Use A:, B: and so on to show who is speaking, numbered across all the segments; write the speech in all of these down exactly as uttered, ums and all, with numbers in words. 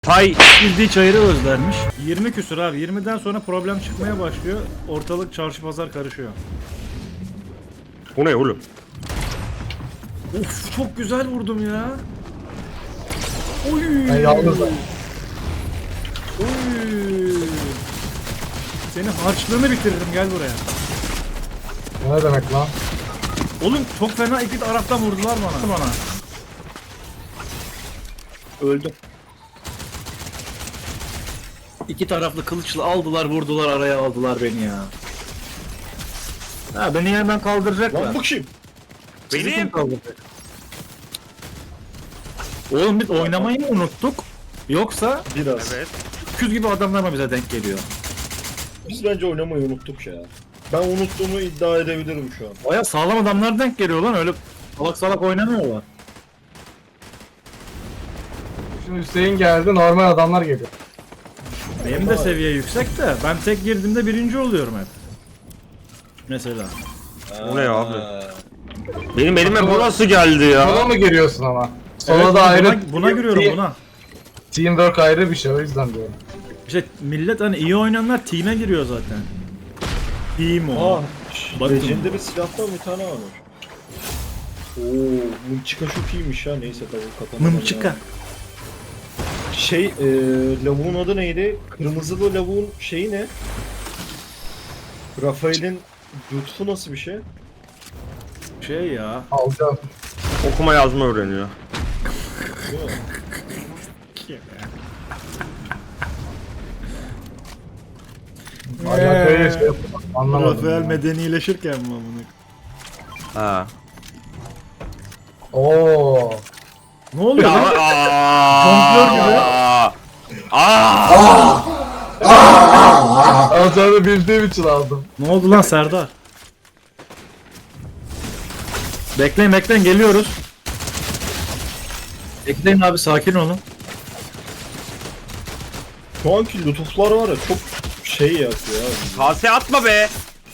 A: Tay
B: Bildiği çayırı özlermiş. yirmi küsür abi. yirmiden sonra problem çıkmaya başlıyor. Ortalık çarşı pazar karışıyor.
A: bu ne oğlum?
B: Of çok güzel vurdum ya. Oy.
C: Ben yalnızım.
B: Oy. Senin harçlığını bitiririm gel buraya.
C: O ne demek lan?
B: Oğlum çok fena iki taraftan vurdular bana. bana. Öldüm. İki taraflı kılıçla aldılar vurdular araya aldılar beni ya. Ha beni hemen kaldıracaklar.
D: Lan bu kim?
B: Sizi
A: Benim.
B: kim kaldıracak? Oğlum biz oynamayı mı unuttuk? Yoksa
D: Biraz.
A: Evet.
B: küz gibi adamlar mı bize denk geliyor?
D: Biz bence oynamayı unuttuk ya. Ben unuttuğumu iddia edebilirim şu an.
B: Baya sağlam adamlar denk geliyor lan öyle salak salak oynamıyorlar.
C: Şimdi Hüseyin geldi, normal adamlar geliyor.
B: Benim de seviye yüksek de ben tek girdiğimde birinci oluyorum hep. Mesela.
A: Bu ne ya abi? Benim elime bu nasıl geldi
C: Sola
A: ya?
C: mı giriyorsun ama? Sola
B: Evet,
C: da ayrı.
B: buna, buna giriyorum
C: Team-
B: buna.
C: Teamwork ayrı bir şey, o yüzden diyorum.
B: İşte millet hani iyi oynayanlar team'e giriyor zaten. Team o.
D: Aa,
B: Bakın.
D: Legendary silahtan bir tane varmış. Oo, mımçıka çok iyiymiş ya. Neyse tabii kapanamadım.
B: Mımçıka.
D: ya. Şey, e, lavuğun adı neydi? Kırmızılı lavuğun şeyi ne? Rafael'in lütfu nasıl bir şey?
B: Şey ya.
C: Alacağım.
A: Okuma yazma öğreniyor.
D: Değil mi?
C: Alakayı şey yapalım. Anlamadım.
B: Rafael
C: ya.
B: medenileşirken mi amına?
A: Ha.
C: Oo.
B: Ne oluyor
A: Ya,
B: lan?
A: aa,
B: Jonglör gibi.
A: Aa.
C: Alacağını bildiğim için aldım.
B: Ne oldu lan Serdar? Bekleyin bekleyin geliyoruz. Bekleyin abi sakin olun.
D: Şu anki lütuflar var ya çok şey yapıyor ya.
A: Kase atma be.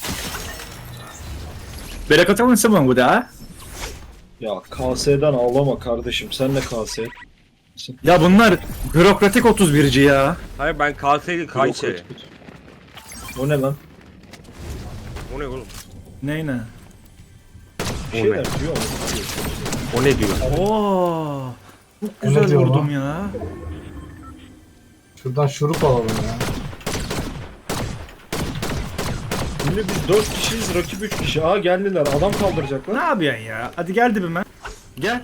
B: Bereket alın mı bu da?
D: Ya K S'den ağlama kardeşim. Sen de K S.
B: Ya bunlar bürokratik otuz birci ya.
A: Hayır ben kaseyi kaç şey.
D: O ne lan?
A: O ne oğlum?
B: Ney ne?
D: Bir
A: O
D: şeyler
A: ne?
D: diyor ama.
A: O ne diyor?
B: Oo. Çok
C: Ne
B: güzel
C: diyor
B: vurdum
C: lan?
B: ya.
C: Şuradan şurup alalım ya.
D: Şimdi biz dört kişiyiz, rakip üç kişi. Aa geldiler, adam
B: Ne
D: kaldıracaklar.
B: yapıyorsun ya? Hadi gel dibime. Gel.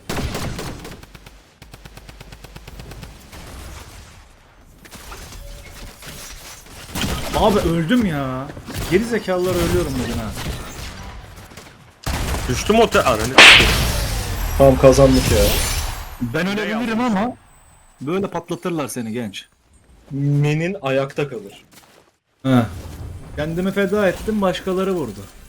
B: Abi öldüm ya. Geri zekalılar ölüyorum bugün ha.
A: Düştüm o te... Ananı.
D: Tamam kazandık ya.
B: Ben ölebilirim ama böyle patlatırlar seni genç.
D: Menin ayakta kalır.
B: He. Kendimi feda ettim başkaları vurdu.